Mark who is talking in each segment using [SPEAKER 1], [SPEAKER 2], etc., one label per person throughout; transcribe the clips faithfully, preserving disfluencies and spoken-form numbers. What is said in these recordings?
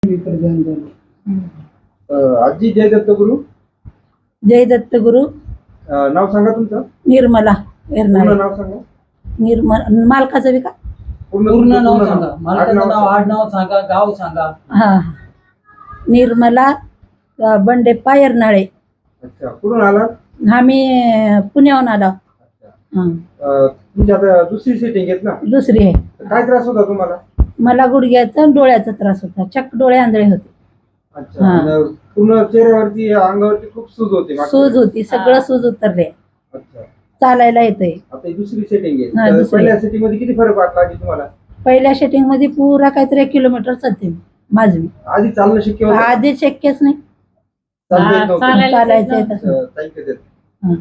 [SPEAKER 1] आजी जय दत्तगुरु.
[SPEAKER 2] जय दत्तगुरु.
[SPEAKER 1] नाव सांगा तुमचं.
[SPEAKER 2] निर्मला
[SPEAKER 1] पूर्ण नाव सांगा.
[SPEAKER 2] निर्मल मालकाचं बी का
[SPEAKER 3] पूर्ण नाव सांगा. मालकाचं नाव, आडनाव सांगा, गाव सांगा.
[SPEAKER 2] हा निर्मला अ, बंडेप्पा एरनाळे.
[SPEAKER 1] अच्छा, कुठून आलात?
[SPEAKER 2] आम्ही पुण्याहून आलो. हा
[SPEAKER 1] अ, तुमची आता दुसरी सेटिंग आहेत ना?
[SPEAKER 2] दुसरी आहे.
[SPEAKER 1] काय त्रास होता तुम्हाला?
[SPEAKER 2] मला गुडघ्याचा आणि डोळ्याचा त्रास होता. चक्क डोळे आंधळे होते.
[SPEAKER 1] अच्छा.
[SPEAKER 2] हा.
[SPEAKER 1] आणि पूर्ण चेहऱ्यावरती अंगावरती खूप सूज होती मागच्या
[SPEAKER 2] सूज
[SPEAKER 1] वेळेस.
[SPEAKER 2] होती. सगळं सूज उतरले.
[SPEAKER 1] अच्छा.
[SPEAKER 2] चालायला येतंय.
[SPEAKER 1] आता ही दुसरी सेटिंग
[SPEAKER 2] हा,
[SPEAKER 1] आहे. तर
[SPEAKER 2] दुसरी.
[SPEAKER 1] पहिल्या सेटिंग मध्ये किती फरक वाटला आजी तुम्हाला?
[SPEAKER 2] पहिल्या शेटिंग मध्ये पुरा काहीतरी एक किलोमीटर चालते मी माझं मी.
[SPEAKER 1] आधी चालणं शक्य होतं?
[SPEAKER 2] आधी शक्यच नाही.
[SPEAKER 1] चालता येत नव्हतं?
[SPEAKER 3] चालायला
[SPEAKER 2] चालायचं
[SPEAKER 3] येत
[SPEAKER 2] येत
[SPEAKER 1] अ, ताई कधी आहेत?
[SPEAKER 2] हा.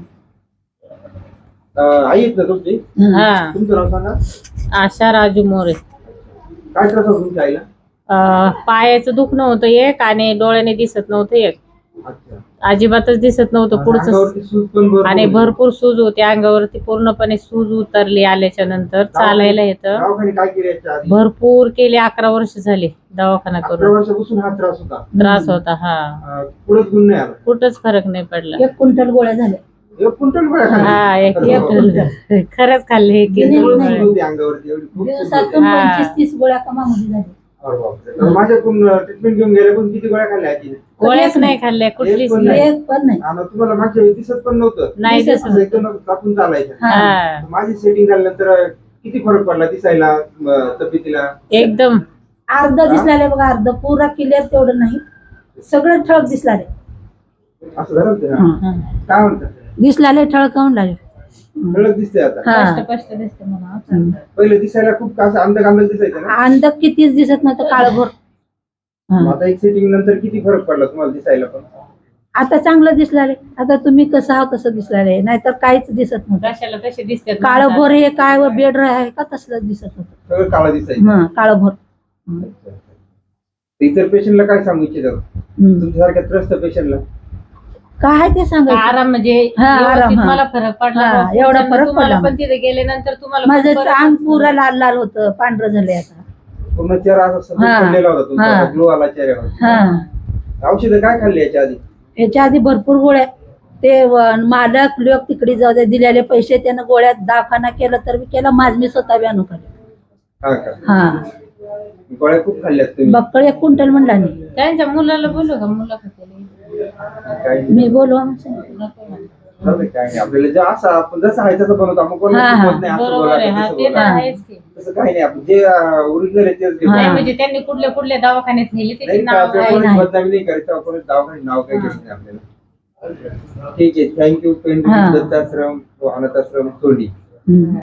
[SPEAKER 1] अ, आई आहेत ना तुमची?
[SPEAKER 3] हा.
[SPEAKER 1] तुमचं नाव सांगा.
[SPEAKER 3] आशा राजू मोरे.
[SPEAKER 1] काय त्रास होता तुमच्या आईला?
[SPEAKER 3] अं, पायाचं दुखणं होतं एक आणि डोळ्याने दिसत नव्हतं एक.
[SPEAKER 1] अच्छा.
[SPEAKER 3] अजिबातच दिसत नव्हतं पुढचं.
[SPEAKER 1] अंगावरती सूज पण भरपूर
[SPEAKER 3] आणि
[SPEAKER 1] होती.
[SPEAKER 3] भरपूर सूज होती अंगावरती. पूर्णपणे सूज उतरली आल्याच्या नंतर. चालायला येतं.
[SPEAKER 1] दवाखाने काय केले याच्या आधी?
[SPEAKER 3] भरपूर केले. अकरा वर्ष झाले दवाखाना
[SPEAKER 1] अकरा
[SPEAKER 3] करून.
[SPEAKER 1] वर्षापासून हा त्रास होता.
[SPEAKER 3] त्रास होता. हा.
[SPEAKER 1] अ, पुढे गुण नाही आला.
[SPEAKER 3] कुठंच फरक नाही पडला.
[SPEAKER 2] एक क्विंटल गोळ्या झाल्या.
[SPEAKER 1] एक क्विंटल गोळ्या खाल्ल्या?
[SPEAKER 3] हा एक
[SPEAKER 1] अरे
[SPEAKER 2] एक
[SPEAKER 1] बापरे.
[SPEAKER 2] क्विंटल.
[SPEAKER 3] खरंच खाल्ले
[SPEAKER 1] किती
[SPEAKER 2] नाही,
[SPEAKER 1] सूज
[SPEAKER 2] नाही.
[SPEAKER 1] होती अंगावरती? एवढी खूप सूज होती.
[SPEAKER 2] दिवसातून
[SPEAKER 3] हा.
[SPEAKER 2] पंचवीस तीस गोळ्या कमामध्ये झाल्या.
[SPEAKER 1] अरे बापरे. तर माझ्याकडून ट्रीटमेंट घेऊन गेले पण किती गोळ्या खाल्ल्या आजीने?
[SPEAKER 3] गोळ्याच नाही खाल्ल्या कुठलीच
[SPEAKER 1] एक पण
[SPEAKER 3] नाही.
[SPEAKER 1] नाही.
[SPEAKER 2] एक पण नाही.
[SPEAKER 1] आणि तुम्हाला मागच्या वेळी दिसत पण नव्हतं?
[SPEAKER 3] नाही
[SPEAKER 2] दिसत
[SPEAKER 3] दिसत.
[SPEAKER 1] एकदम कापून चालायचं.
[SPEAKER 2] हा.
[SPEAKER 3] हा.
[SPEAKER 1] माझी सेटिंग झाल्यानंतर किती फरक पडला दिसायला, म, तब्येतीला?
[SPEAKER 3] एकदम.
[SPEAKER 2] अर्ध दिसलाय बघा. अर्ध पुरा क्लिअर तेवढं नाही. सगळं ठळक दिसलाय.
[SPEAKER 1] असं झालं होतं ना?
[SPEAKER 2] हा.
[SPEAKER 1] काय म्हणतात?
[SPEAKER 2] दिसलाय ठळकावून लागले.
[SPEAKER 1] ठळक दिसते आता.
[SPEAKER 2] हा.
[SPEAKER 3] स्पष्ट दिसते मला.
[SPEAKER 2] हम्म.
[SPEAKER 1] पहिले दिसायला खूप असं अंधक अंधक दिसायचं ना?
[SPEAKER 2] अंधक कितीच दिसत नव्हतं. काळभोर.
[SPEAKER 1] मग
[SPEAKER 2] हा.
[SPEAKER 1] आता एक सेटिंग नंतर किती फरक पडला तुम्हाला दिसायला पण?
[SPEAKER 2] आता चांगलं दिसलाय. आता तुम्ही कसं आहात तसं दिसलाय. नाहीतर काहीच दिसत नव्हतं.
[SPEAKER 3] कशाला तसे दिसते.
[SPEAKER 2] काळभोर हे काय व बेड आहे का तसलं दिसत होतं.
[SPEAKER 1] सगळं काळं दिसायचं.
[SPEAKER 2] हा काळभोर. हम्म.
[SPEAKER 1] अच्छा, अच्छा. इतर पेशंटला काय सांगू इच्छितात
[SPEAKER 2] हम्म.
[SPEAKER 1] तुमच्यासारख्या त्रस्त पेशंटला?
[SPEAKER 2] काय ते सांगायचं.
[SPEAKER 3] आराम म्हणजे
[SPEAKER 2] हा,
[SPEAKER 3] व्यवस्थित
[SPEAKER 2] आराम, हा.
[SPEAKER 3] मला फरक पडला.
[SPEAKER 2] हा,
[SPEAKER 3] बाबा,
[SPEAKER 2] एवढा
[SPEAKER 3] पुढच्यांदा
[SPEAKER 2] फरक
[SPEAKER 3] तुम्हाला
[SPEAKER 2] पडला
[SPEAKER 3] पण तिथे गेल्यानंतर तुम्हाला
[SPEAKER 2] माझं
[SPEAKER 3] पण
[SPEAKER 2] अंग
[SPEAKER 3] फरक
[SPEAKER 2] पुरा लाल लाल होतं. पांढरं झालंय आता.
[SPEAKER 1] पूर्ण चेहरा असा सफेद
[SPEAKER 2] हा.
[SPEAKER 1] पडलेला होता तुमचा.
[SPEAKER 2] हा.
[SPEAKER 1] ग्लो आला चेहऱ्यावर.
[SPEAKER 2] हा.
[SPEAKER 1] औषधं काय खाल्ली याच्या आधी?
[SPEAKER 2] याच्या आधी भरपूर गोळ्या. ते व- मालक लोक तिकडे जाऊ दे दिलेले पैसे त्यानं गोळ्यात दवाखाना केलं तर मी केला. माझ मी स्वतः बी आणून खाल्ले.
[SPEAKER 1] हा का?
[SPEAKER 2] हा
[SPEAKER 1] गोळ्या खूप खाल्ल्यात तुम्ही?
[SPEAKER 2] बक्कळ एक क्विंटल म्हणला नाही.
[SPEAKER 3] त्यांच्या मुलाला बोलू का मुलाखत
[SPEAKER 1] काय
[SPEAKER 2] मी बोलवा
[SPEAKER 1] चालतंय, काय नाही. आपल्याला जे असं आपण जसं आहे तसं बनवतो. आपण कोणाला
[SPEAKER 2] हा, हा.
[SPEAKER 1] शिकवत नाही, असं
[SPEAKER 3] बरोबर
[SPEAKER 1] बोला,
[SPEAKER 3] आहे. हा
[SPEAKER 1] तसं
[SPEAKER 3] ते तर
[SPEAKER 1] बोला.
[SPEAKER 3] आहेच की.
[SPEAKER 1] तसं काही नाही. आपण जे ओरिजिनल आहे तेच घेतो.
[SPEAKER 2] हा.
[SPEAKER 3] नाही म्हणजे त्यांनी कुठल्या कुठल्या दवाखान्यात नेली त्याची
[SPEAKER 1] नाही का,
[SPEAKER 3] नाव
[SPEAKER 1] आपल्या
[SPEAKER 2] नाही,
[SPEAKER 1] कोणी
[SPEAKER 2] नाही.
[SPEAKER 1] बदनामी नाही करायचं. आपण दवाखान्यात नाव काही
[SPEAKER 3] हा.
[SPEAKER 1] घ्यायचं नाही आपल्याला. ठीक आहे. थँक्यू. पेंट
[SPEAKER 2] हा.
[SPEAKER 1] दत्ताश्रम, अनाथाश्रम, तोंडी.
[SPEAKER 2] हम्म.